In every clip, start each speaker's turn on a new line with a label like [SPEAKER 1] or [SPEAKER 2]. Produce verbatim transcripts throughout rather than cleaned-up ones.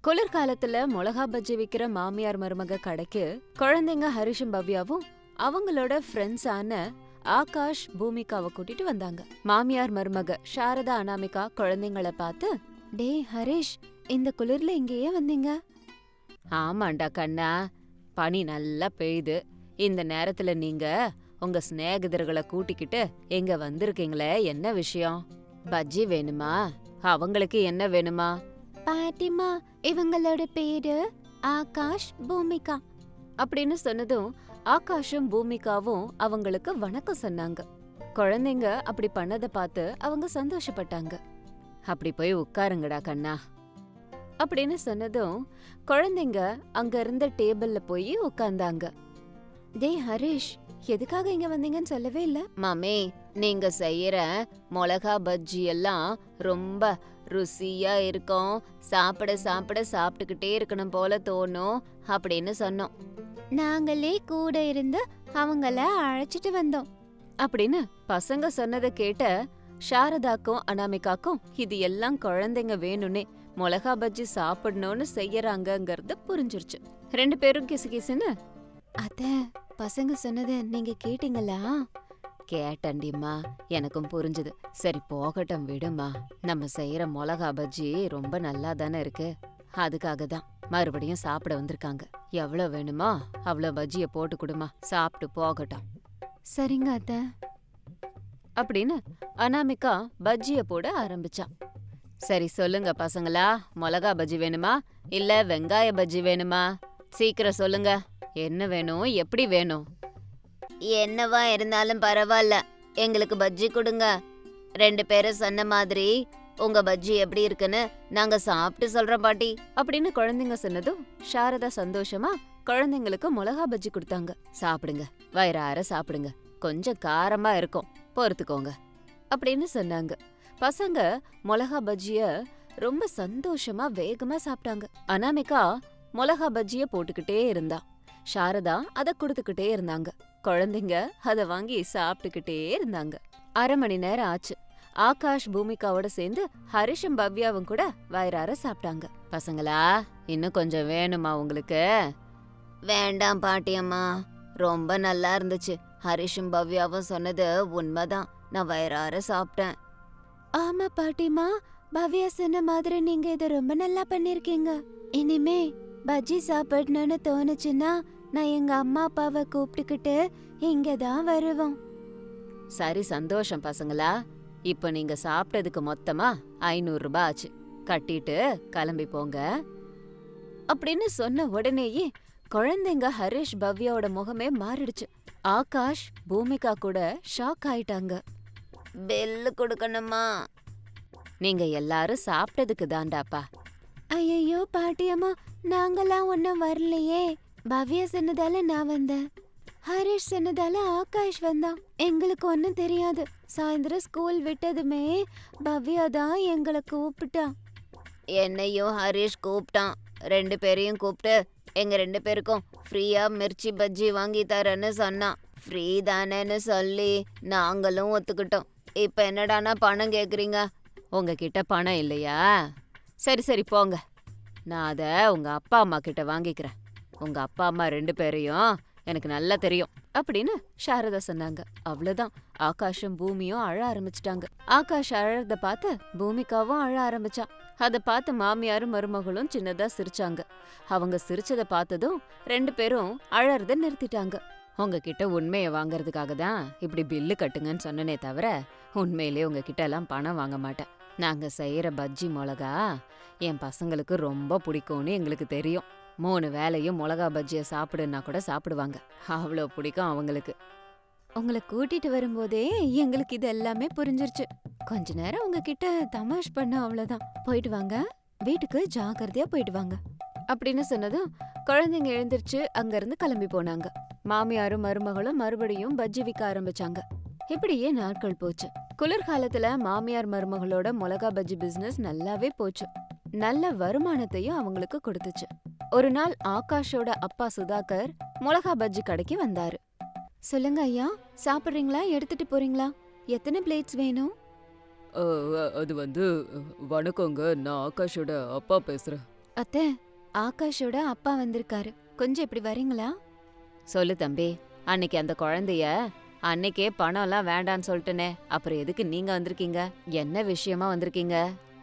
[SPEAKER 1] குளிர்காலத்துல மிளகா பஜ்ஜி விக்கிற மாமியார் மருமக கடைக்கு குழந்தைங்க ஹரிஷும் பவ்யாவும் அவங்களோட ஃப்ரெண்ட்ஸான ஆகாஷ் பூமிகாவை கூட்டிட்டு வந்தாங்க. மாமியார் மருமக சாரதா அனாமிகா குழந்தைங்கள பார்த்து, டே ஹரிஷ், இந்த குளிர்ல இங்கேயே வந்தீங்க? ஆமாண்டா கண்ணா, பனி நல்லா பெய்யுது. இந்த நேரத்துல நீங்க உங்க சிநேகிதர்களை கூட்டிக்கிட்டு எங்க வந்திருக்கீங்களே, என்ன விஷயம்? பஜ்ஜி வேணுமா? அவங்களுக்கு என்ன வேணுமா? பாட்டிமா, இவங்களோட பேரு ஆகாஷ் பூமிகா அப்படின்னு சொன்னதும் ஆகாஷும் பூமிகாவும் அவங்களுக்கு வணக்கம் சொன்னாங்க. குழந்தைங்க அப்படி பண்ணத பார்த்து அவங்க சந்தோஷப்பட்டாங்க. அப்படி போய் உட்காருங்கடா கண்ணா அப்படின்னு சொன்னதும் குழந்தைங்க அங்க இருந்த டேபிள்ல போய் உட்கார்ந்தாங்க. டே ஹரிஷ், எதுக்காக இங்க வந்தீங்கன்னு சொல்லவே இல்ல? மாமே, நீங்க செய்யற மிளகா பஜ்ஜி எல்லாம் ரொம்ப ருசியா இருக்கும், சாப்பிட சாப்பிட சாப்பிட்டுக்கிட்டே இருக்கணும் போல தோணும் அப்படின்னு சொன்னோம். நாங்களே கூட இருந்து அவங்கள அழைச்சிட்டு வந்தோம் அப்படின்னு பசங்க சொன்னதை கேட்ட சாரதாக்கும் அனாமிகாக்கும் இது எல்லாம் குழந்தைங்க வேணும்னே மிளகா பஜ்ஜி சாப்பிடணும்னு செய்யறாங்கங்கிறது புரிஞ்சிருச்சு. ரெண்டு பேரும் கிசு கிசுன்னு, அத பசங்க சொன்னத நீங்க கேட்டீங்களா? கேட்டண்டிம்மா, எனக்கும் புரிஞ்சுது. சரி போகட்டும் விடுமா, நம்ம செய்யற மிளகா பஜ்ஜி ரொம்ப நல்லா தானே இருக்கு, அதுக்காக தான் மறுபடியும் சாப்பிட வந்திருக்காங்க. எவ்வளவு வேணுமா அவ்வளோ பஜ்ஜிய போட்டு கொடுமா, சாப்பிட்டு போகட்டும். சரிங்க அத்தை அப்படின்னு அனாமிகா பஜ்ஜிய போட ஆரம்பிச்சா. சரி சொல்லுங்க பசங்களா, மிளகா பஜ்ஜி வேணுமா இல்ல வெங்காய பஜ்ஜி வேணுமா? சீக்கிரம் சொல்லுங்க, என்ன வேணும், எப்படி வேணும்? என்னவா இருந்தாலும் பரவாயில்ல, எங்களுக்கு பஜ்ஜி கொடுங்க. ரெண்டு பேரும் சொன்ன மாதிரி உங்க பஜ்ஜி எப்படி இருக்குன்னு நாங்க சாப்பிட்டு சொல்றோம் பாட்டி அப்படின்னு குழந்தைங்க சொன்னதும் சாரதா சந்தோஷமா குழந்தைங்களுக்கு மிளகா பஜ்ஜி கொடுத்தாங்க. சாப்பிடுங்க, வயிறார சாப்பிடுங்க, கொஞ்சம் காரமா இருக்கும், பொறுத்துக்கோங்க அப்படின்னு சொன்னாங்க. பசங்க மிளகா பஜ்ஜிய ரொம்ப சந்தோஷமா வேகமா சாப்பிட்டாங்க. அனாமிகா மிளகா பஜ்ஜிய போட்டுக்கிட்டே இருந்தா, சாரதா அத கொடுத்துக்கிட்டே இருந்தாங்க. குழந்தைங்க அத வாங்கி சாப்பிட்டுக்கிட்டே இருந்தாங்க. அரை மணி நேரம் ஆச்சு. ஆகாஷ் பூமிகாவோட சேர்ந்து ஹரிஷும் பவ்யாவும் கூட வயிறார சாப்பிட்டாங்க. பசங்களா, இன்னும் கொஞ்சம் வேணுமா உங்களுக்கு? வேண்டாம் பாட்டியம்மா, ரொம்ப நல்லா இருந்துச்சு. ஹரிஷும் பவ்யாவும் சொன்னது உண்மைதான், நான் வயிறார சாப்பிட்டேன். ஆமா பாட்டிமா, பவ்யா சொன்ன மாதிரி நீங்க இத ரொம்ப நல்லா பண்ணிருக்கீங்க. இனிமே பஜ்ஜி சாப்பிடணும்னு தோணுச்சுன்னா நான் எங்க அம்மா அப்பாவை கூப்பிட்டுக்கிட்டு இங்கதான் வருவோம். சரி சந்தோஷம் பசங்களா, இப்ப நீங்க சாப்பிட்டதுக்கு மொத்தமா ஐநூறு ரூபாய் ஆச்சு, கட்டிட்டு கிளம்பி போங்க அப்படின்னு சொன்ன உடனேயே குழந்தைங்க ஹரிஷ் பவ்யாவோட முகமே மாறிடுச்சு. ஆகாஷ் பூமிகா கூட ஷாக் ஆயிட்டாங்க. பெல்லு கொடுக்கணுமா? நீங்க எல்லாரும் சாப்பிட்டதுக்கு தாண்டாப்பா. ஐயோ பாட்டியம்மா, நாங்கெல்லாம் ஒன்னும் வரலையே. பவ்யா சொன்னதால நான் வந்தேன், ஹரிஷ் சொன்னதால ஆகாஷ் வந்தான். எங்களுக்கு ஒன்னும் தெரியாது. சாயந்தரம் ஸ்கூல் விட்டதுமே பவ்யா தான் எங்களை கூப்பிட்டா. என்னையும் ஹரிஷ் கூப்பிட்டான். ரெண்டு பேரையும் கூப்பிட்டு எங்க ரெண்டு பேருக்கும் ஃப்ரீயா மிர்ச்சி பஜ்ஜி வாங்கி தரேன்னு சொன்னான். ஃப்ரீ தானேன்னு சொல்லி நாங்களும் ஒத்துக்கிட்டோம். இப்ப என்னடானா பணம் கேக்குறீங்க? உங்ககிட்ட பணம் இல்லையா? சரி சரி போங்க, நான் அத உங்க அப்பா அம்மா கிட்ட வாங்கிக்கிறேன். உங்க அப்பா அம்மா ரெண்டு பேரையும் எனக்கு நல்லா தெரியும் அப்படின்னு சாரதா சொன்னாங்க. அவ்வளவுதான், ஆகாஷும் பூமியும் அழ ஆரம்பிச்சிட்டாங்க. ஆகாஷ் அழறத பார்த்து பூமிகாவும் அழ ஆரம்பிச்சா. அத பார்த்து மாமியாரும் மருமகளும் சின்னதா சிரிச்சாங்க. அவங்க சிரிச்சத பார்த்ததும் ரெண்டு பேரும் அழறத நிறுத்திட்டாங்க. உங்ககிட்ட உண்மையை வாங்கறதுக்காக தான் இப்படி பில்லு கட்டுங்கன்னு சொன்னனே தவிர உண்மையிலே உங்ககிட்ட எல்லாம் பணம் வாங்க மாட்டேன். நாங்க செய்யற பஜ்ஜி மிளகா என் பசங்களுக்கு ரொம்ப பிடிக்கும்னு எங்களுக்கு தெரியும். மூணு வேளையும் மிளகா பஜ்ஜிய சாப்பிடுன்னா கூட சாப்பிடுவாங்க, அவ்வளோ பிடிக்கும் அவங்களுக்கு. உங்களை கூட்டிட்டு வரும்போதே எங்களுக்கு இது எல்லாமே புரிஞ்சிருச்சு. கொஞ்ச நேரம் உங்ககிட்ட தமாஷ் பண்ண, அவ்வளவுதான். போயிட்டு வாங்க, வீட்டுக்கு ஜாக்கிரதையா போயிட்டு வாங்க அப்படின்னு சொன்னதும் குழந்தைங்க எழுந்திருச்சு அங்க இருந்து கிளம்பி போனாங்க. மாமியாரும் மருமகளும் மறுபடியும் பஜ்ஜி விற்க ஆரம்பிச்சாங்க. இப்படியே நாட்கள் போச்சு. குளிர்காலத்துல மாமியார் மருமகளோட மிளகா பஜ்ஜி பிசினஸ் நல்லாவே போச்சு. நல்ல வருமானத்தையும் அவங்களுக்கு கொடுத்துச்சு. ஒரு நாள் ஆகாஷோட அப்பா சுதாகர் மிளகா பஜ்ஜி கடைக்கு வந்தாரு. சொல்லுங்க ஐயா, சாப்பிடுறீங்களா, எடுத்துட்டு போறீங்களா? எத்தனை பிளேட்ஸ் வேணும்?
[SPEAKER 2] அது வந்து, வணக்கங்க, நான் ஆகாஷோட அப்பா பேசுறேன்.
[SPEAKER 1] அத்தை, ஆகாஷோட அப்பா வந்திருக்காரு, கொஞ்சம் இப்படி வரீங்களா? சொல்லு தம்பி. அன்னைக்கு அந்த குழந்தைய அன்னைக்கே பணம்லாம் வேண்டான்னு சொல்லிட்டனே, அப்புறம் எதுக்கு நீங்க வந்திருக்கீங்க? என்ன விஷயமா வந்திருக்கீங்க?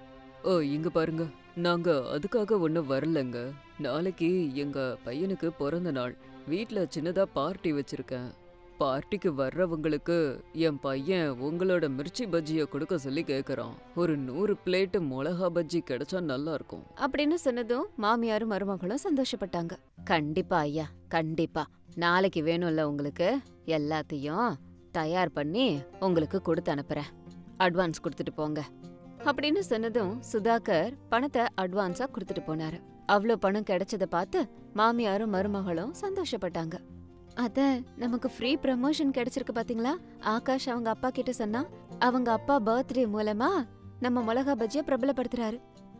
[SPEAKER 2] ஓ இங்க பாருங்க, நாங்க அதுக்காக ஒன்றும் வரலங்க. நாளைக்கு எங்க பையனுக்கு பிறந்த நாள். வீட்ல சின்னதா பார்ட்டி வச்சிருக்கேன். பார்ட்டிக்கு வர்றவங்களுக்கு என் பையன் உங்களோட மிர்ச்சி பஜ்ஜியை கொடுக்க சொல்லி கேட்குறான். ஒரு நூறு பிளேட்டு மிளகா பஜ்ஜி கிடைச்சா நல்லா இருக்கும்.
[SPEAKER 1] அப்படின்னு சொன்னதும் மாமியாரும் மருமகளும் சந்தோஷப்பட்டாங்க. கண்டிப்பா ஐயா, கண்டிப்பா. நாளைக்கு வேணும்ல உங்களுக்கு, எல்லாத்தையும் தயார் பண்ணி உங்களுக்கு கொடுத்து அனுப்புறேன். அட்வான்ஸ் கொடுத்துட்டு போங்க. அப்படின்னு சொன்னதும் சுதாகர் பணத்தை அட்வான்ஸா கொடுத்துட்டு போனாரு. அவ்வளோ பணம் கிடைச்சத பார்த்து மாமியாரும் மருமகளும் சந்தோஷப்பட்டாங்க. அத நமக்கு ஃப்ரீ ப்ரமோஷன் கிடைச்சிருக்கு பாத்தீங்களா? ஆகாஷ் அவங்க அப்பா கிட்ட சொன்னா அவங்க அப்பா பர்த்டே மூலமா நம்ம மிளகா பஜ்ஜிய பிரபலப்படுத்துறாரு.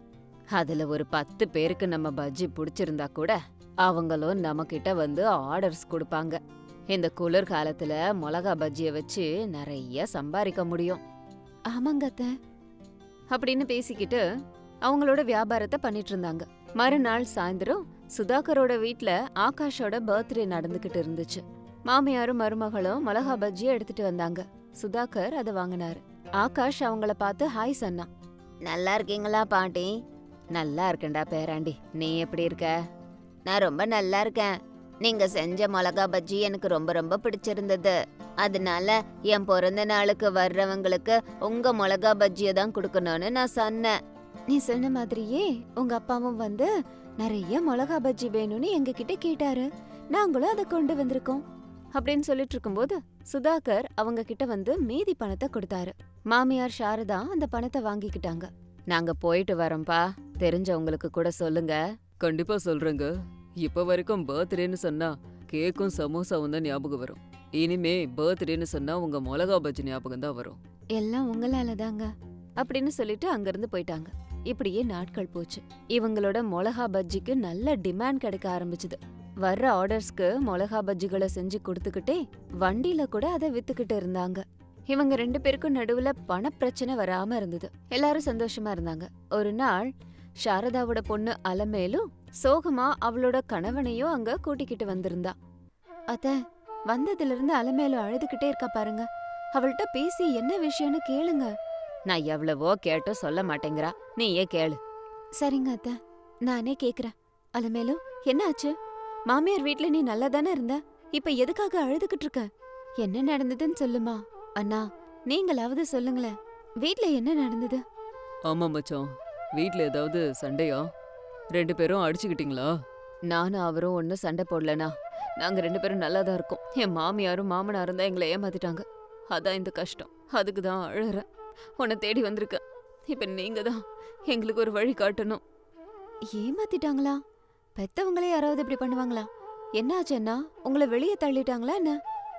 [SPEAKER 1] அதுல ஒரு பத்து பேருக்கு நம்ம பஜ்ஜி பிடிச்சிருந்தா கூட அவங்களும் நம்ம கிட்ட வந்து ஆர்டர்ஸ் கொடுப்பாங்க. இந்த குளிர் காலத்துல மிளகா பஜ்ஜிய வச்சு நிறைய சம்பாதிக்க முடியும். ஆமாங்க அத்தை. அப்படின்னு பேசிக்கிட்டு அவங்களோட வியாபாரத்தை பண்ணிட்டு இருந்தாங்க. மறுநாள் சாயந்தரம் சுதாகரோட வீட்ல ஆகாஷோட பர்த்டே நடந்துகிட்டு இருந்துச்சு. மாமியாரும் மருமகளும் மிளகா பஜ்ஜிய எடுத்துட்டு வந்தாங்க. சுதாகர் அதை வாங்கினாரு. ஆகாஷ் அவங்கள பார்த்து ஹாய் சொன்னான். நல்லா இருக்கீங்களா பாட்டி? நல்லா இருக்கேன்டா பேராண்டி, நீ எப்படி இருக்க? நான் ரொம்ப நல்லா இருக்கேன். நீங்க செஞ்ச மிளகா பஜ்ஜி எனக்கு ரொம்ப ரொம்ப பிடிச்சிருந்தது. அதனால என் பிறந்த நாளுக்கு வர்றவங்களுக்கு உங்க மிளகா பஜ்ஜிய தான் கொடுக்கணும்னு நான் சொன்னேன். நீ சொன்ன மாதிரியே உங்க அப்பாவும் வந்து நிறைய மிளகா பஜ்ஜி வேணும்னு எங்க கிட்ட கேட்டாரு. நாங்களும் அதை கொண்டு வந்திருக்கோம். அப்படின்னு சொல்லிட்டு இருக்கும்போது சுதாகர் அவங்க கிட்ட வந்து மீதி பணத்தை கொடுத்தாரு. மாமியார் சாரதா அந்த பணத்தை வாங்கிக்கிட்டாங்க. நாங்க போயிட்டு வரோம்பா, தெரிஞ்சவங்களுக்கு கூட சொல்லுங்க.
[SPEAKER 2] கண்டிப்பா சொல்றேங்க. இப்ப வரைக்கும் பர்த்டேன்னு சொன்னா கேக்கும் சமோசாவும் தான் ஞாபகம் வரும். இனிமே பர்த்டேன்னு சொன்னா உங்க மிளகா பஜ்ஜி ஞாபகம் தான் வரும்.
[SPEAKER 1] எல்லாம் உங்களால தாங்க அப்படின்னு சொல்லிட்டு அங்கிருந்து போயிட்டாங்க. இப்படியே நாட்கள் போச்சு. இவங்களோட மிளகா பஜ்ஜிக்கு நல்ல டிமாண்ட் கிடைக்க ஆரம்பிச்சுது. வர்ற ஆர்டர்ஸ்க்கு மிளகா பஜ்ஜிகளை செஞ்சு கொடுத்துக்கிட்டே வண்டியில கூட அதை வித்துக்கிட்டு இருந்தாங்க. இவங்க ரெண்டு பேருக்கும் நடுவுல பண பிரச்சனை வராம இருந்தது. எல்லாரும் சந்தோஷமா இருந்தாங்க. ஒரு நாள் சாரதாவோட பொண்ணு அலமேலும் சோகமா அவளோட கணவனையும் அங்க கூட்டிக்கிட்டு வந்திருந்தா. அத்த, வந்ததுல இருந்து அலமேலும் அழுதுகிட்டே இருக்கா பாருங்க. அவள்கிட்ட பேசி என்ன விஷயம்னு கேளுங்க. நான் எவ்வளவோ கேட்டும் சொல்ல மாட்டேங்கிறா, நீயே கேளு. சரிங்க அத்த, நானே கேக்குறேன். அலமேலும், என்ன ஆச்சு? மாமியார் வீட்ல நீ நல்லா தானே இருந்த, இப்ப எதுக்காக அழுதுகிட்டு இருக்க? என்ன நடந்ததுன்னு சொல்லுமா. அண்ணா, நீங்களாவது சொல்லுங்களேன், வீட்ல என்ன நடந்தது?
[SPEAKER 2] ஆமா மச்சான், வீட்ல ஏதாவது சண்டையா? ரெண்டு பேரும் அடிச்சுக்கிட்டீங்களா?
[SPEAKER 1] நானும் அவரும் ஒன்னும் சண்டை போடலனா. நாங்க ரெண்டு பேரும் நல்லா தான் இருக்கோம். என் மாமியாரும் மாமனாரும் தான் எங்களை ஏமாத்திட்டாங்க. அதான் இந்த கஷ்டம். அதுக்கு தான் அழுறேன். உன்னை தேடி வந்திருக்க. இப்ப நீங்க தான் எங்களுக்கு ஒரு வழி காட்டணும். ஏமாத்திட்டாங்களா? பெத்தவங்களே யாராவது இப்படி பண்ணுவாங்களா? என்ன ஆச்சுன்னா, உங்களை வெளியே தள்ளிட்டாங்களா என்ன?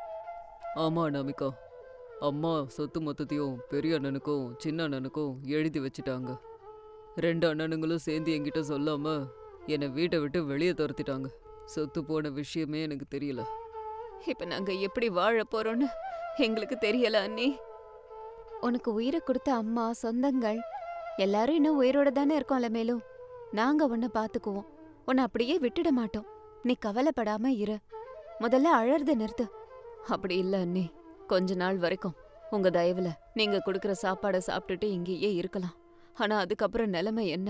[SPEAKER 2] ஆமா அனாமிகா, அம்மா சொத்து மொத்தத்தையும் பெரிய அண்ணனுக்கும் சின்ன அண்ணனுக்கும் எழுதி வச்சுட்டாங்க. ரெண்டு அண்ணனுங்களும் சேர்ந்து என்கிட்ட சொல்லாம என்னை வீட்டை விட்டு வெளியே துரத்திட்டாங்க. சொத்து போன விஷயமே எனக்கு தெரியல.
[SPEAKER 1] இப்ப நாங்க எப்படி வாழ போறோம்னு எங்களுக்கு தெரியல அண்ணி. உனக்கு உயிரை கொடுத்த அம்மா, சொந்தங்கள் எல்லாரும் இன்னும் உயிரோட தானே இருக்கோம்ல. மேலும் நாங்க உன்னை பாத்துக்குவோம். உன்னை அப்படியே விட்டுட மாட்டோம். நீ கவலைப்படாம இரு. முதல்ல அழறத நிறுத்து. அப்படி இல்ல அண்ணி, கொஞ்ச நாள் வரைக்கும் உங்க தயவுல நீங்க கொடுக்கற சாப்பாடை சாப்பிட்டுட்டு இங்கேயே இருக்கலாம். ஆனா அதுக்கப்புறம் நிலைமை என்ன?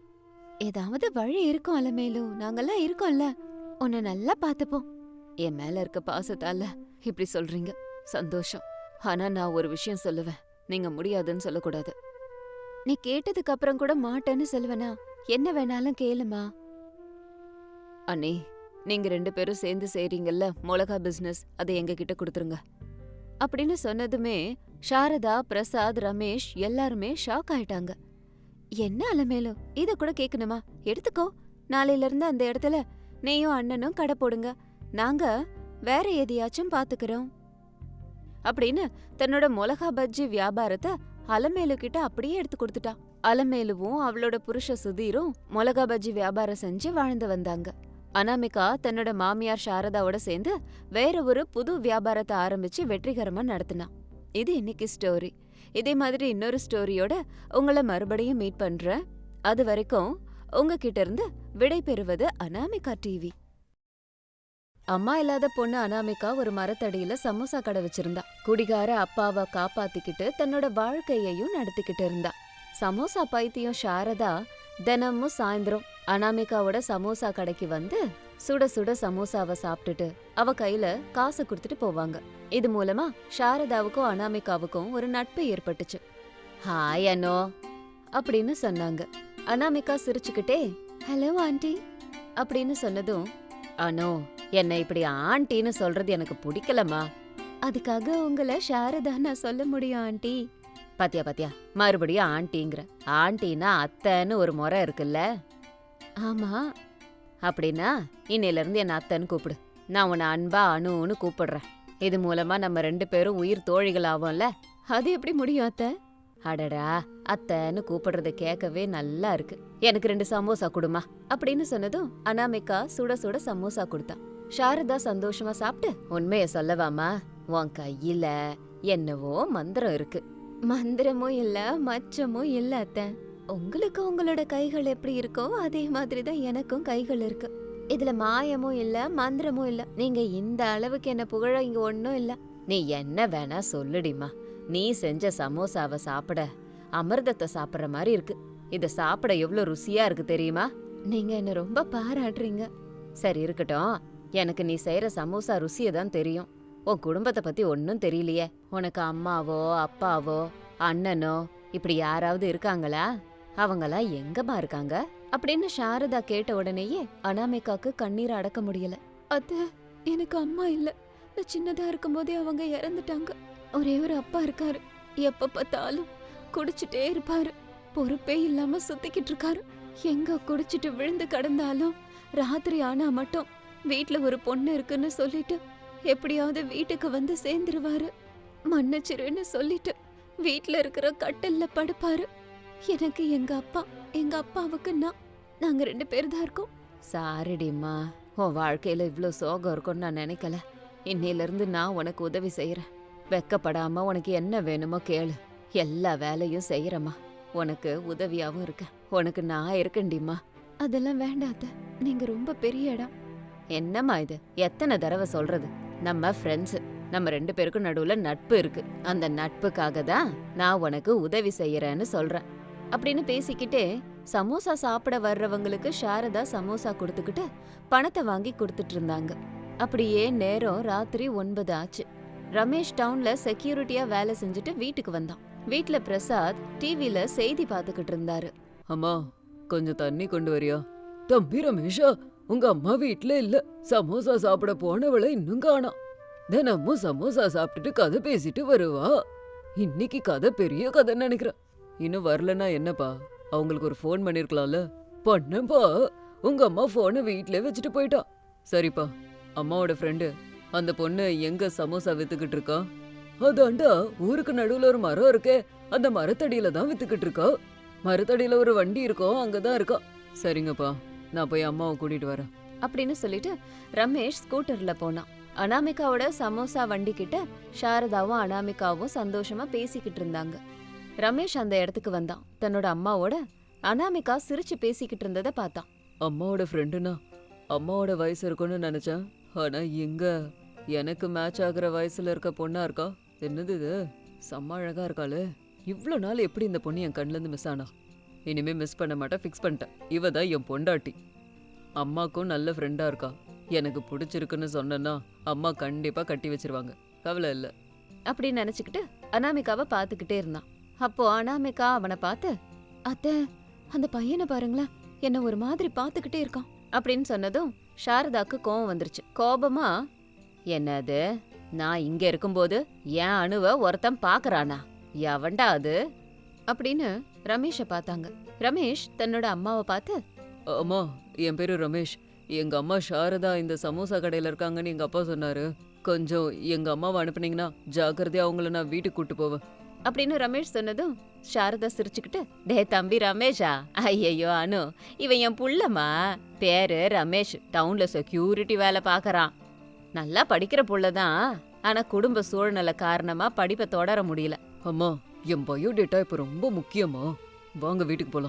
[SPEAKER 1] ஏதாவது வழி இருக்கும் அலமேலும், நாங்கெல்லாம் இருக்கோம்ல. உன்னை நல்லா பாத்துப்போம். என் மேல இருக்க பாசத்தால இப்படி சொல்றீங்க, சந்தோஷம். ஆனா நான் ஒரு விஷயம் சொல்லுவேன், நீங்க முடியாதுன்னு சொல்லக்கூடாது. நீ கேட்டதுக்கு அப்புறம் கூட மாட்டேன்னு சொல்லுவேனா? என்ன வேணாலும் கேளுமா. அண்ணே, நீங்க ரெண்டு பேரும் சேர்ந்து செய்றீங்கல்ல மிளகா பிசினஸ், அதை எங்க கிட்ட கொடுத்துருங்க அப்படின்னு சொன்னதுமே சாரதா, பிரசாத், ரமேஷ் எல்லாருமே ஷாக் ஆயிட்டாங்க. என்ன அலமேலும், இத கூட கேட்கணுமா? எடுத்துக்கோ. நாளையில இருந்து அந்த இடத்துல நீயும் அண்ணனும் கடை போடுங்க. நாங்க வேற எதையாச்சும் பாத்துக்கிறோம் அப்படின்னு தன்னோட மிளகா பஜ்ஜி வியாபாரத்தை அலமேலு கிட்ட அப்படியே எடுத்து கொடுத்துட்டா. அலமேலுவும் அவளோட புருஷ சுதீரும் மிளகா பஜ்ஜி வியாபாரம் செஞ்சு வாழ்ந்து வந்தாங்க. அனாமிகா தன்னோட மாமியார் சாரதாவோட சேர்ந்து வேற ஒரு புது வியாபாரத்தை ஆரம்பிச்சு வெற்றிகரமா நடத்தினா. இது இன்னைக்கு ஸ்டோரி. இதே மாதிரி இன்னொரு ஸ்டோரியோட உங்களை மறுபடியும் மீட் பண்றேன். அது வரைக்கும் உங்ககிட்ட இருந்து விடை பெறுவது அனாமிகா டிவி. அம்மா இல்லாத பொண்ணு அனாமிகா ஒரு மரத்தடியில சமோசா கடை வச்சிருந்தா. குடிகார அப்பாவை காப்பாத்திக்கிட்டு தன்னோட வாழ்க்கையையும் நடத்திக்கிட்டு இருந்தா. சமோசா பைத்தியம் சாரதா தினமும் சாயந்தரம் அனாமிகாவோட சமோசா கடைக்கு வந்து சுட சுட சமோசாவை சாப்பிட்டுட்டு அவ கையில காசு கொடுத்துட்டு போவாங்க. இது மூலமா சாரதாவுக்கும் அனாமிகாவுக்கும் ஒரு நட்பு ஏற்பட்டுச்சு. ஹாய் அனோ அப்படின்னு சொன்னாங்க. அனாமிகா சிரிச்சுக்கிட்டே ஹலோ ஆண்டி அப்படின்னு சொன்னதும், அனோ என்ன இப்படி ஆண்டின்னு சொல்றது எனக்கு பிடிக்கலம்மா. அதுக்காக உங்களை சாரதா நான் சொல்ல முடியும் ஆண்டி. பாத்தியா பாத்தியா மறுபடியும் ஆண்டிங்கிற. ஆண்டினா அத்தைன்னு ஒரு முறை இருக்குல்ல? ஆமா. அப்படின்னா இன்னையில இருந்து என்ன அத்தைன்னு கூப்பிடு. நான் உன்னை அன்பா அணுன்னு கூப்பிடுறேன். இது மூலமா நம்ம ரெண்டு பேரும் உயிர் தோழிகள் ஆவோம்ல. அது எப்படி முடியும் அத்தை? அடடா, அத்தைன்னு கூப்பிடுறத கேட்கவே நல்லா இருக்கு. எனக்கு ரெண்டு சமோசா கொடுமா அப்படின்னு சொன்னதும் அனாமிகா சுட சுட சமோசா கொடுத்தா. சாரதா சந்தோஷமா சாப்பிட்டு, உண்மைய சொல்லவாமா, உன் கையில என்னவோ மந்திரம் இருக்கு. மந்திரமும் இல்ல மச்சமும் இல்ல அத்தை. உங்களுக்கு உங்களோட கைகள் எப்படி இருக்கோ அதே மாதிரிதான் எனக்கும் கைகள் இருக்கு. இதுல மாயமும் இல்ல மந்திரமும் இல்ல. நீங்க இந்த அளவுக்கு என்ன புகழ இங்க ஒன்னும் இல்ல. நீ என்ன வேணா சொல்லுடிமா. நீ செஞ்ச சமோசாவை சாப்பிட அமிர்தத்தை சாப்பிடுற மாதிரி இருக்கு. இத சாப்பிட எவ்வளவு ருசியா இருக்கு தெரியுமா? நீங்க என்ன ரொம்ப பாராட்டுறீங்க. சரி இருக்கட்டும், எனக்கு நீ செய்யற சமோசா ருசியை தான் தெரியும். உன் குடும்பத்தை பத்தி ஒன்னும் தெரியலையே. உனக்கு அம்மாவோ அப்பாவோ அண்ணனோ இப்படி யாராவது இருக்காங்களா? அவங்கெல்லாம் எங்கம்மா இருக்காங்க அப்படின்னு சாரதா கேட்ட உடனேயே அனாமிகாக்கு கண்ணீர் அடக்க முடியல. அத்தை, எனக்கு அம்மா இல்ல. நான் சின்னதா இருக்கும் போதே அவங்க இறந்துட்டாங்க. ஒரே ஒரு அப்பா இருக்காரு. எப்ப பார்த்தாலும் குடிச்சிட்டே இருப்பாரு. பொறுப்பே இல்லாம சுத்திக்கிட்டு இருக்காரு. எங்க குடிச்சிட்டு விழுந்து கிடந்தாலும் ராத்திரி ஆனா மட்டும் வீட்ல ஒரு பொண்ணு இருக்குன்னு சொல்லிட்டு எப்படியாவது வீட்டுக்கு வந்து சேர்ந்துருவாரு. மன்னிச்சிருன்னு சொல்லிட்டு வீட்ல இருக்கிற கட்டில்ல படுப்பாரு. எனக்கு எங்க அப்பா, எங்க அப்பாவுக்கு நான், நாங்க ரெண்டு பேர் தான் இருக்கோம். சாரிடிம்மா, உன் வாழ்க்கையில இவ்ளோ சோகம் இருக்கும்னு நான் நினைக்கல. இன்னையில இருந்து நான் உனக்கு உதவி செய்யறேன். வெக்கப்படாம உனக்கு என்ன வேணுமோ கேளு. எல்லா வேலையும் செய்யறமா. உனக்கு உதவியாவும் இருக்க. உனக்கு நான் இருக்கேன்டிம்மா. அதெல்லாம் வேண்டாத, நீங்க ரொம்ப பெரிய இடம். என்னம்மா இது, எத்தனை தடவை சொல்றது? நம்ம ஃப்ரெண்ட்ஸ், நம்ம ரெண்டு பேருக்கும் நடுவுல நட்பு இருக்கு. அந்த நட்புக்காக தான் நான் உனக்கு உதவி செய்யறேன்னு சொல்றேன் அப்படின்னு பேசிக்கிட்டே சமோசா சாப்பிட வர்றவங்களுக்கு சாரதா சமோசா கொடுத்துக்கிட்டு பணத்தை வாங்கி கொடுத்துட்டு இருந்தாங்க. அப்படியே நேரம் ராத்திரி ஒன்பது ஆச்சு. ரமேஷ் டவுன்ல செக்யூரிட்டியா வேலை செஞ்சுட்டு வீட்டுக்கு வந்தான். வீட்ல பிரசாத் டிவில செய்தி பாத்துக்கிட்டு இருந்தாரு.
[SPEAKER 2] அம்மா கொஞ்சம் தண்ணி கொண்டு வரியா? தம்பி ரமேஷா, உங்க அம்மா வீட்ல இல்ல. சமோசா சாப்பிட போனவளை இன்னும் காணோம். தினமும் சமோசா சாப்பிட்டுட்டு கதை பேசிட்டு வருவா. இன்னைக்கு கதை பெரிய கதை நினைக்கிறேன். இன்னும் வரலன்னா என்னப்பா? அவங்களுக்கு ஒரு ஃபோன் பண்ணிருக்கலாம்ல. பண்ணப்பா, உங்க அம்மா போனை வீட்லயே வச்சுட்டு போயிட்டா. சரிப்பா, அம்மாவோட ஃப்ரெண்டு அந்த பொண்ணு எங்க சமோசா வித்துக்கிட்டு இருக்கா? அதாண்டா ஊருக்கு நடுவுல ஒரு மரம் இருக்கே, அந்த மரத்தடியில தான் வித்துக்கிட்டு இருக்கா. மரத்தடியில ஒரு வண்டி இருக்கும், அங்கதான் இருக்கா. சரிங்கப்பா, நான் போய் அம்மாவை கூட்டிட்டு வரேன்
[SPEAKER 1] அப்படின்னு சொல்லிட்டு ரமேஷ் ஸ்கூட்டர்ல போனான். அனாமிகாவோட சமோசா வண்டி கிட்ட சாரதாவும் அனாமிகாவும் சந்தோஷமா பேசிக்கிட்டு இருந்தாங்க. ரமேஷ் அந்த இடத்துக்கு வந்தான். தன்னோட அம்மாவோட அனாமிகா சிரிச்சு பேசிக்கிட்டு இருந்ததை பார்த்தான்.
[SPEAKER 2] அம்மாவோட ஃப்ரெண்டுனா அம்மாவோட வயசு இருக்கும்னு நினைச்சேன். ஆனா எங்க எனக்கு மேட்ச் ஆகுற வயசுல இருக்க பொண்ணா இருக்கா. என்னது இது, செம்ம அழகா இருக்காளே. இவ்வளோ நாள் எப்படி இந்த பொண்ணு என் கண்ணுல இருந்து மிஸ் ஆனா? இனிமே மிஸ் பண்ண மாட்டேன், ஃபிக்ஸ் பண்ணிட்டேன். இவ தான் என் பொண்டாட்டி. அம்மாக்கும் நல்ல ஃப்ரெண்டா இருக்கா. எனக்கு பிடிச்சிருக்குன்னு சொன்னா அம்மா கண்டிப்பா கட்டி வச்சிருவாங்க, கவலை இல்லை
[SPEAKER 1] அப்படின்னு நினைச்சுக்கிட்டு அனாமிகாவை பார்த்துக்கிட்டே இருந்தான். அப்போ அனாமிகா அவனை பார்த்து, அத்தை அந்த பையனை பாருங்களேன், என்ன ஒரு மாதிரி பார்த்துக்கிட்டே இருக்கான் அப்படின்னு சொன்னதும் சாரதாக்கு கோபம் வந்துருச்சு. கோபமா, என்னது, நான் இங்க இருக்கும்போது என் அணுவை ஒருத்தன் பாக்குறானா? எவன்டா அது அப்படின்னு ரமேஷை பார்த்தாங்க. ரமேஷ் தன்னோட அம்மாவை பார்த்து,
[SPEAKER 2] அம்மா என் பேரு ரமேஷ். எங்க அம்மா சாரதா இந்த சமோசா கடையில இருக்காங்கன்னு எங்க அப்பா சொன்னாரு. கொஞ்சம் எங்க அம்மாவை அனுப்புனீங்கன்னா ஜாக்கிரதையா அவங்கள நான் வீட்டுக்கு கூட்டு போவேன்
[SPEAKER 1] அப்படின்னு ரமேஷ் சொன்னதும் சாரதா சிரிச்சுக்கிட்டு, டே தம்பி ரமேஷா, ஐயையோ அனு, இவன் என் புள்ளமா. பேரு ரமேஷ், டவுன்ல செக்யூரிட்டி வேலை பாக்குறான். நல்லா படிக்கிற புள்ளதான், ஆனா குடும்ப சூழ்நிலை காரணமா படிப்பை தொடர முடியல.
[SPEAKER 2] அம்மா என் பயோடேட்டா இப்ப ரொம்ப முக்கியமா. வாங்க வீட்டுக்கு போலாம்.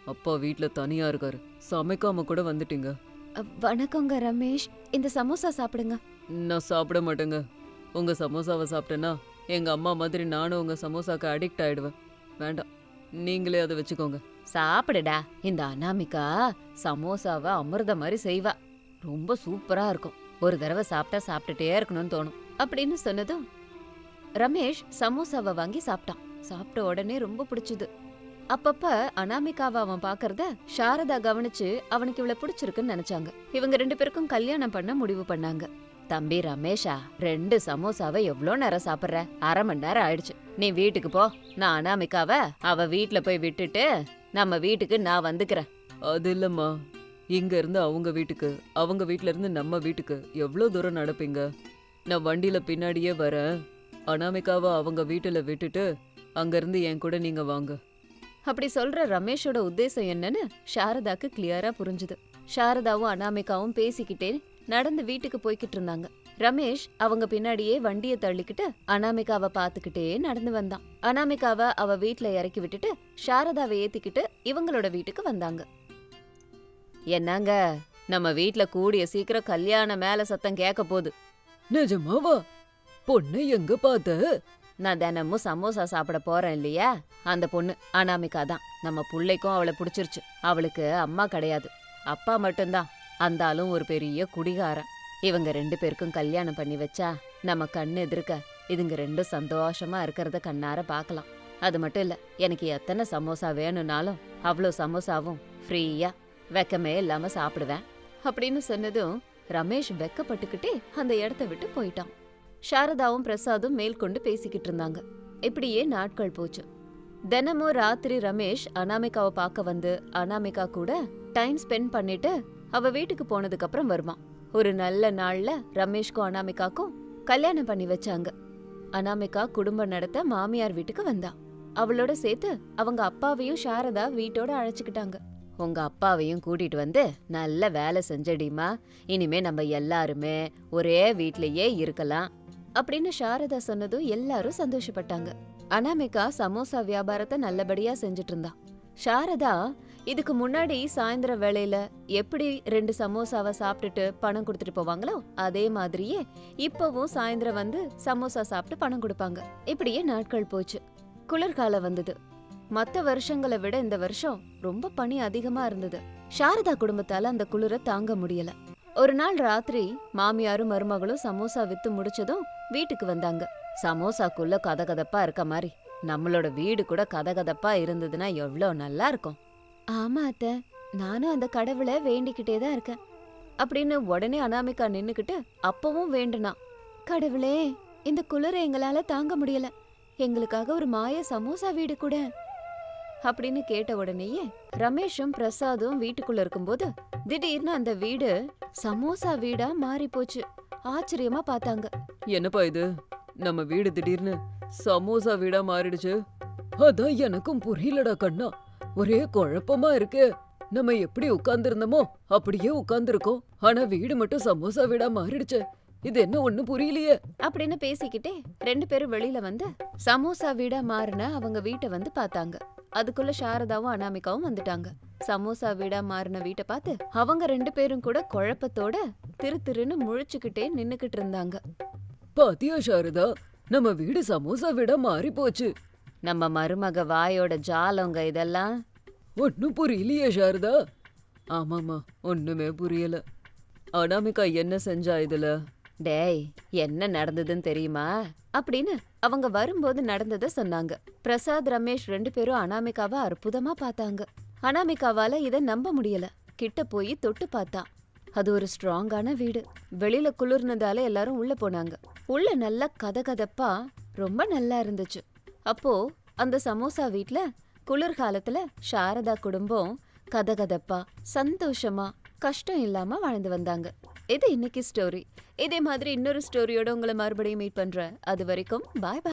[SPEAKER 2] அப்பா வீட்ல தனியா இருக்காரு. சமைக்காம கூட வந்துட்டீங்க.
[SPEAKER 1] அ, வணக்கங்க ரமேஷ், இந்த சமோசா சாப்பிடுங்க.
[SPEAKER 2] நான் சாப்பிட மாட்டேங்க. உங்க சமோசாவை சாப்பிட்டேன்னா எங்க அம்மா மாதிரி நானும் உங்க சமோசாக்கு அடிக்ட் ஆயிடுவேன். வேண்டாம், நீங்களே அதை வச்சுக்கோங்க.
[SPEAKER 1] சாப்பிடுடா. இந்த அனாமிகா சமோசாவை அமிர்த மாதிரி செய்வா. ரொம்ப சூப்பரா இருக்கும். ஒரு தடவை சாப்பிட்டா சாப்பிட்டுட்டே இருக்கணும்னு தோணும் அப்படின்னு சொன்னதும் ரமேஷ் சமோசாவை வாங்கி சாப்பிட்டான். சாப்பிட்ட உடனே ரொம்ப பிடிச்சது. அப்பப்ப அனாமிகாவை அவன் பாக்குறத சாரதா கவனிச்சு அவனுக்கு இவ்வளவு பிடிச்சிருக்குன்னு நினைச்சாங்க. இவங்க ரெண்டு பேருக்கும் கல்யாணம் பண்ண முடிவு பண்ணாங்க. தம்பி ரமேஷா, ரெண்டு சமோசாவை எவ்வளோ நேரம் சாப்பிட்ற? அரை மணி நேரம் ஆயிடுச்சு. நீ வீட்டுக்கு போ. நான் அனாமிகாவை அவ வீட்டுல போய் விட்டுட்டு நம்ம வீட்டுக்கு நான் வந்துக்கிறேன்.
[SPEAKER 2] அது இல்லம்மா, இங்க இருந்து அவங்க வீட்டுக்கு, அவங்க வீட்ல இருந்து நம்ம வீட்டுக்கு எவ்வளோ தூரம் நடப்பீங்க? நான் வண்டியில பின்னாடியே வரேன். அனாமிகாவை அவங்க வீட்டுல விட்டுட்டு அங்க இருந்து என் கூட நீங்க வாங்க.
[SPEAKER 1] அப்படி சொல்ற ரமேஷோட உத்தேசம் என்னன்னு சாரதாக்கு கிளியரா புரிஞ்சுது. சாரதாவும் அனாமிகாவும் பேசிக்கிட்டே நடந்து வீட்டுக்கு போய்கிட்டு இருந்தாங்க. ரமேஷ் அவங்க பின்னாடியே வண்டியை தள்ளிக்கிட்டு அனாமிகாவை பாத்துக்கிட்டே நடந்து வந்தான். அனாமிகாவை அவ வீட்டுல இறக்கி விட்டுட்டு சாரதாவை ஏத்திக்கிட்டு இவங்களோட வீட்டுக்கு வந்தாங்க. என்னங்க, நம்ம வீட்டுல கூடிய சீக்கிரம் கல்யாண மேல சத்தம் கேட்க போகுது.
[SPEAKER 2] நிஜமாவா? பொண்ணு எங்க பார்த்த?
[SPEAKER 1] நான் தினமும் சமோசா சாப்பிட போறேன் இல்லையா, அந்த பொண்ணு அனாமிகா தான். நம்ம புள்ளைக்கும் அவளை பிடிச்சிருச்சு. அவளுக்கு அம்மா கிடையாது, அப்பா மட்டும்தான். அந்த ஆளும் ஒரு பெரிய குடிகாரன். இவங்க ரெண்டு பேருக்கும் கல்யாணம் பண்ணி வச்சா நம்ம கண்ணு எதிர்க்க இதுங்க ரெண்டும் சந்தோஷமா இருக்கிறத கண்ணார பார்க்கலாம். அது மட்டும் இல்ல, எனக்கு எத்தனை சமோசா வேணும்னாலும் அவ்வளோ சமோசாவும் ஃப்ரீயா வெக்கமே இல்லாம சாப்பிடுவேன் அப்படின்னு சொன்னதும் ரமேஷ் வெக்கப்பட்டுக்கிட்டே அந்த இடத்த விட்டு போயிட்டான். சாரதாவும் பிரசாதும் மேற்கொண்டு பேசிக்கிட்டு இருந்தாங்க. இப்படியே நாட்கள் போச்சு. தினமும் ராத்திரி ரமேஷ் அனாமிகாவை பார்க்க வந்து அனாமிகா கூட டைம் ஸ்பெண்ட் பண்ணிட்டு அவ வீட்டுக்கு போனதுக்கு அப்புறம் வருவான். ஒரு நல்ல நாள்ல ரமேஷ்க்கும் அனாமிகாக்கும் கல்யாணம் பண்ணி வச்சாங்க. அனாமிகா குடும்பம் நடத்த மாமியார் வீட்டுக்கு வந்தா. அவளோட சேர்த்து அவங்க அப்பாவையும் சாரதா வீட்டோட அழைச்சுக்கிட்டாங்க. உங்க அப்பாவையும் கூட்டிட்டு வந்து நல்ல வேலை செஞ்சடிமா, இனிமே நம்ம எல்லாருமே ஒரே வீட்லயே இருக்கலாம் அப்படின்னு சாரதா சொன்னதும் எல்லாரும் சந்தோஷப்பட்டாங்க. அனாமிகா சமோசா வியாபாரத்தை நல்லபடியா செஞ்சுட்டு இருந்தா. சாரதா இதுக்கு முன்னாடி சாயந்தர வேளையில எப்படி ரெண்டு சமோசாவை சாப்பிட்டுட்டு பணம் கொடுத்துட்டு போவாங்களோ அதே மாதிரியே இப்பவும் சாயந்தரம் வந்து சமோசா சாப்பிட்டு பணம் கொடுப்பாங்க. இப்படியே நாட்கள் போச்சு. குளிர்காலம் வந்தது. மத்த வருஷங்களை விட இந்த வருஷம் ரொம்ப பனி அதிகமா இருந்தது. சாரதா குடும்பத்தால அந்த குளிரை தாங்க முடியல. ஒரு நாள் ராத்திரி மாமியாரும் மருமகளும் சமோசா வித்து முடிச்சதும் வீட்டுக்கு வந்தாங்க. சமோசாக்குள்ள கதகதப்பா இருக்க மாதிரி நம்மளோட வீடு கூட கதகதப்பா இருந்ததுன்னா எவ்வளோ நல்லா இருக்கும். ஆமா அத்தை, நானும் அந்த கடவுளை வேண்டிக்கிட்டே தான் இருக்கேன் அப்படின்னு உடனே அனாமிகா நின்னுக்கிட்டு அப்பவும் வேண்டுனா. கடவுளே, இந்த குளிரை எங்களால தாங்க முடியல, எங்களுக்காக ஒரு மாய சமோசா வீடு கூட அப்படின்னு கேட்ட உடனேயே ரமேஷும் பிரசாதும் வீட்டுக்குள்ள இருக்கும்போது திடீர்னு அந்த வீடு சமோசா வீடா மாறி போச்சு. ஆச்சரியமா பார்த்தாங்க.
[SPEAKER 2] என்னப்பா இது, நம்ம வீடு திடீர்னு சமோசா வீடா மாறிடுச்சு? அதான் எனக்கும் புரியலடா கண்ணா, ஒரே குழப்பமா இருக்கு. நம்ம எப்படி உட்கார்ந்துருந்தோமோ அப்படியே உட்கார்ந்துருக்கோம், ஆனா வீடு மட்டும் சமோசா வீடா மாறிடுச்சு. இது என்ன ஒண்ணு புரியலையே
[SPEAKER 1] அப்படின்னு பேசிக்கிட்டே ரெண்டு பேரும் வெளியில வந்து சமோசா வீடா மாறின அவங்க வீட்டை வந்து பார்த்தாங்க. அதுக்குள்ள சாரதாவும் அனாமிகாவும் வந்துட்டாங்க. சமோசா வீடா மாறின வீட்டை பார்த்து அவங்க ரெண்டு பேரும் கூட குழப்பத்தோட திரு திருன்னு முழிச்சுக்கிட்டே நின்னுக்கிட்டு இருந்தாங்க.
[SPEAKER 2] பாத்தியா சாரதா, நம்ம வீடு சமோசா வீடா மாறி போச்சு.
[SPEAKER 1] நம்ம மருமக வாயோட ஜாலங்க இதெல்லாம்.
[SPEAKER 2] ஒன்னும் புரியலையே சாரதா. ஆமாமா, ஒண்ணுமே புரியல. அனாமிகா என்ன செஞ்சா இதுல?
[SPEAKER 1] டேய், என்ன நடந்ததுன்னு தெரியுமா அப்படின்னு அவங்க வரும்போது நடந்ததை சொன்னாங்க. பிரசாத் ரமேஷ் ரெண்டு பேரும் அனாமிகாவை அற்புதமா பார்த்தாங்க. அனாமிகாவால இதை நம்ப முடியல. கிட்ட போய் தொட்டு பார்த்தா அது ஒரு ஸ்ட்ராங்கான வீடு. வெளியில குளிர்னதால எல்லாரும் உள்ள போனாங்க. உள்ள நல்லா கதகதப்பா ரொம்ப நல்லா இருந்துச்சு. அப்போ அந்த சமோசா வீட்ல குளிர்காலத்துல சாரதா குடும்பம் கதகதப்பா சந்தோஷமா கஷ்டம் இல்லாம வாழ்ந்து வந்தாங்க. இது இன்னைக்கு ஸ்டோரி. இதே மாதிரி இன்னொரு ஸ்டோரியோட உங்களை மறுபடியும் மீட் பண்றேன். அது வரைக்கும் பாய் பாய்.